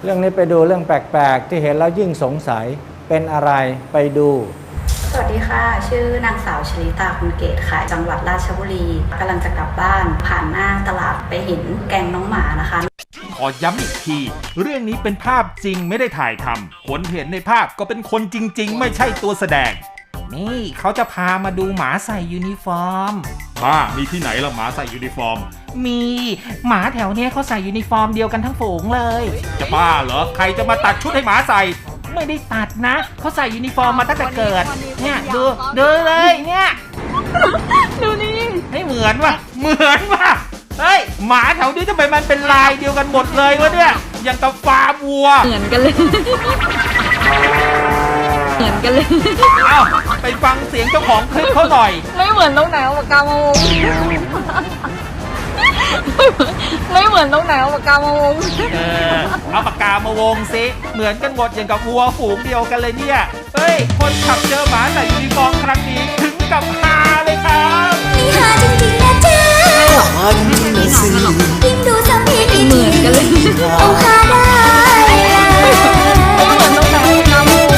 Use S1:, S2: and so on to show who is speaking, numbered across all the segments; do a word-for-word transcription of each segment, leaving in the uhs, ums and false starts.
S1: เรื่องนี้ไปดูเรื่องแปลกๆที่เห็นแล้วยิ่งสงสัยเป็นอะไรไปดู
S2: สวัสดีค่ะชื่อนางสาวชลิตาคุณเกตค่ะจังหวัดราชบุรีกำลังจะกลับบ้านผ่านหน้าตลาดไปเห็นแกงน้องหมานะคะ
S3: ขอย้ำอีกทีเรื่องนี้เป็นภาพจริงไม่ได้ถ่ายทำคนเห็นในภาพก็เป็นคนจริงๆไม่ใช่ตัวแสดงนี่เขาจะพามาดูหมาใส่ยูนิฟอร์มบ้ามีที่ไหนล่ะหมาใส่ยูนิฟอร์มมีหมาแถวเนี้ยเขาใส่ยูนิฟอร์มเดียวกันทั้งฝูงเลยจะบ้าเหรอใครจะมาตัดชุดให้หมาใส่ไม่ได้ตัดนะเขาใส่ยูนิฟอร์มมาตั้งแต่เกิดเนี่ยดูดูเลยเนี่ย
S4: ดูนี่
S3: ให้เหมือนว่ะเหมือนว่ะเฮ้ยหมาแถวนี้ทำไมมันเป็นลายเดียวกันหมดเลยวะเนี่ยอย่างกับฟาร์มวัว
S4: เหมือนกันเลยเหมือนกันเลย
S3: เอ้าไปฟังเสียงเจ้าของคลิปเขาหน่อย
S4: ไม่เหมือนตรงไหนเอาปากกามาวงไม่เหมือนตรงไหนเอาปากกามาวง
S3: เออเอาปากกามาวงสิเหมือนกันหมดอย่างกับวัวฝูงเดียวกันเลยเนี่ยเฮ้ยคนขับเจอหมาใส่ยูนิฟอร์มครั้งนี้ถึงกับฮาเลยครับ
S5: นี่ฮาจริงๆนะจ๊ะยิ่งดูซ้ำยิ่งเหมือนกันเลยเอาฮาได้
S4: ไม่เหมือนตรงไหนเอาปากกามาวง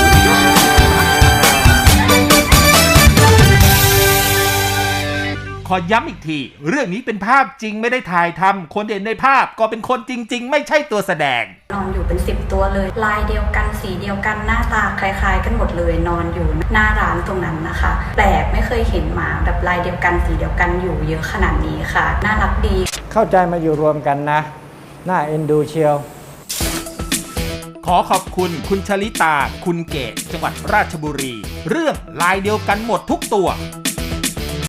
S3: ขอย้ำอีกทีเรื่องนี้เป็นภาพจริงไม่ได้ถ่ายทำคนเห็นในภาพก็เป็นคนจริงๆไม่ใช่ตัวแสดง
S2: นอนอยู่เป็นสิบตัวเลยลายเดียวกันสีเดียวกันหน้าตาคล้ายๆกันหมดเลยนอนอยู่หน้าร้านตรงนั้นนะคะแปลกไม่เคยเห็นหมาแบบลายเดียวกันสีเดียวกันอยู่เยอะขนาดนี้ค่ะน่ารักดี
S1: เข้าใจมาอยู่รวมกันนะน่าเอ็นดูเชียว
S3: ขอขอบคุณคุณชลิตาคุณเกตจังหวัดราชบุรีเรื่องลายเดียวกันหมดทุกตัว